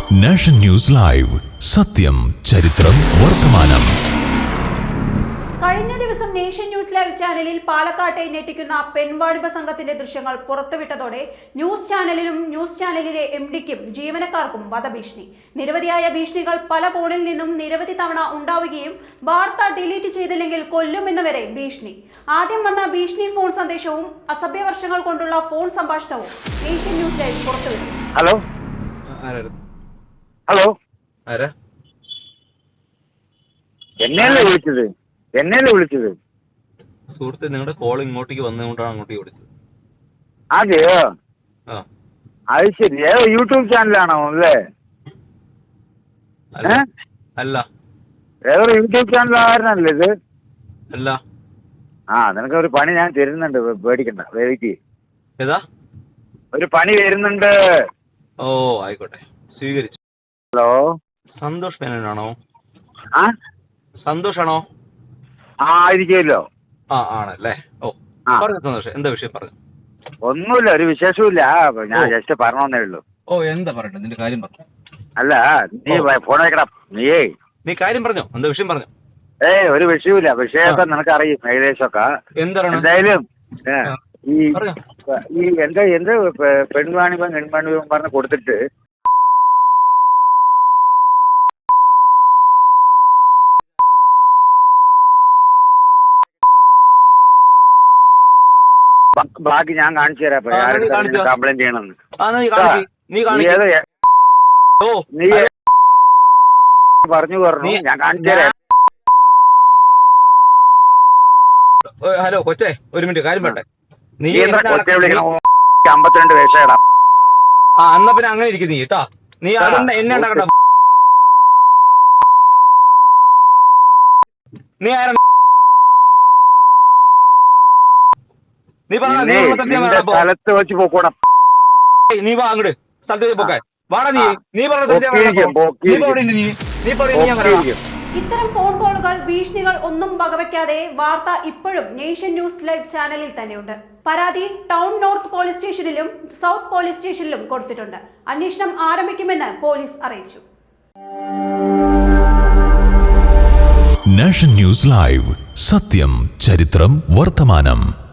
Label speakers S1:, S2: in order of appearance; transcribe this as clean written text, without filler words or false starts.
S1: Nation news live, സത്യം, ചരിത്രം, വർത്തമാനം.
S2: കഴിഞ്ഞ ദിവസം നേഷൻ ന്യൂസ് ലൈവ് ചാനലിൽ പാലക്കാട്ടെ ഞെട്ടിക്കുന്ന പെൺവാണിഭ സംഘത്തിന്റെ ദൃശ്യങ്ങൾ പുറത്തുവിട്ടതോടെ ന്യൂസ് ചാനലിനും ന്യൂസ് ചാനലിലെ MD-ക്കും ജീവനക്കാർക്കും വധഭീഷണി. നിരവധിയായ ഭീഷണികൾ പല കോണിൽ നിന്നും നിരവധി തവണ ഉണ്ടാവുകയും വാർത്ത ഡിലീറ്റ് ചെയ്തില്ലെങ്കിൽ കൊല്ലുമെന്ന് വരെ ഭീഷണി. ആദ്യം വന്ന ഭീഷണി ഫോൺ സന്ദേശവും അസഭ്യവർഷങ്ങൾ കൊണ്ടുള്ള ഫോൺ സംഭാഷണവും നേഷൻ ന്യൂസ് ലൈവ് പുറത്തുവിട്ടു.
S3: ഹലോ ഹലോ എന്നെയല്ലേ വിളിച്ചത്?
S4: സുഹൃത്തെ, നിങ്ങളുടെ കോൾ ഇങ്ങോട്ടേക്ക് വന്നുകൊണ്ടാണ് അങ്ങോട്ടേക്ക് വിളിച്ചത്.
S3: അതെയോ? അത് ശരി. ഏതോ യൂട്യൂബ് ചാനലാണോ അല്ലേ?
S4: അല്ല.
S3: ഏതോ യൂട്യൂബ് ചാനലാകാരനല്ലേ ഇത്?
S4: അല്ല.
S3: നിനക്ക് ഒരു പണി ഞാൻ തരുന്നുണ്ട്, പേടിക്കണ്ട, വെയിറ്റ്.
S4: ഏതാ?
S3: ഒരു പണി വരുന്നുണ്ട്.
S4: ഓ, ആയിക്കോട്ടെ, സ്വീകരിച്ചു.
S3: ഹലോ,
S4: സന്തോഷ് മേനോനാണോ?
S3: സന്തോഷാണോ? ആയിരിക്കുമല്ലോ.
S4: ആണല്ലേ. ഓ, പറഞ്ഞു സന്തോഷം. എന്താ വിഷയം പറഞ്ഞു?
S3: ഒന്നുമില്ല, ഒരു വിശേഷമില്ല. ഞാൻ ജസ്റ്റ് പറഞ്ഞേ ഉള്ളൂ.
S4: ഓ, എന്താ പറയട്ടെ, നിന്റെ കാര്യം പറഞ്ഞു.
S3: അല്ല, നീ ഫോൺ വെക്കടാ.
S4: നീ കാര്യം പറഞ്ഞോ, എന്താ വിഷയം പറഞ്ഞു?
S3: ഒരു വിഷയമില്ല. വിഷയമൊക്കെ നിനക്കറിയും ഏകദേശമൊക്കെ. എന്തായാലും ഈ എന്ത് പെൺവാണിഭം പറഞ്ഞ് കൊടുത്തിട്ട് ബാക്കി ഞാൻ കാണിച്ചു തരാം. കംപ്ലൈന്റ് ചെയ്യണമെന്ന് നീ പറഞ്ഞു ഞാൻ കാണിച്ചു തരാം.
S4: ഹലോ കൊച്ചേ, ഒരു മിനിറ്റ്, കാര്യം പറട്ടെ. നീ
S3: കൊച്ചെ വിളിക്കണം. 52 വയസ്സേടാ.
S4: എന്നാ പിന്നെ അങ്ങനെ ഇരിക്കും നീ കേട്ടാ. നീ എന്നെ ഉണ്ടാക്കണ്ട. നീ ആരാ?
S3: സ്ഥലത്ത് വെച്ച് പോക്കോണം.
S4: നീ വാ അങ്ങോട്ട്, സ്ഥലത്ത് വെച്ച് പോക്കാൻ വാടാ. നീ
S2: ഇത്തരം ഫോൺ കോളുകൾ, ഭീഷണികൾ ഒന്നും വകവയ്ക്കാതെ വാർത്ത ഇപ്പോഴും നേഷൻ ന്യൂസ് ലൈവ് ചാനലിൽ തന്നെയുണ്ട്. പരാതി ടൗൺ നോർത്ത് പോലീസ് സ്റ്റേഷനിലും സൗത്ത് പോലീസ് സ്റ്റേഷനിലും കൊടുത്തിട്ടുണ്ട്. അന്വേഷണം ആരംഭിക്കുമെന്ന് പോലീസ് അറിയിച്ചു.
S1: നാഷൻ ന്യൂസ് ലൈവ്, സത്യം, ചരിത്രം, വർത്തമാനം.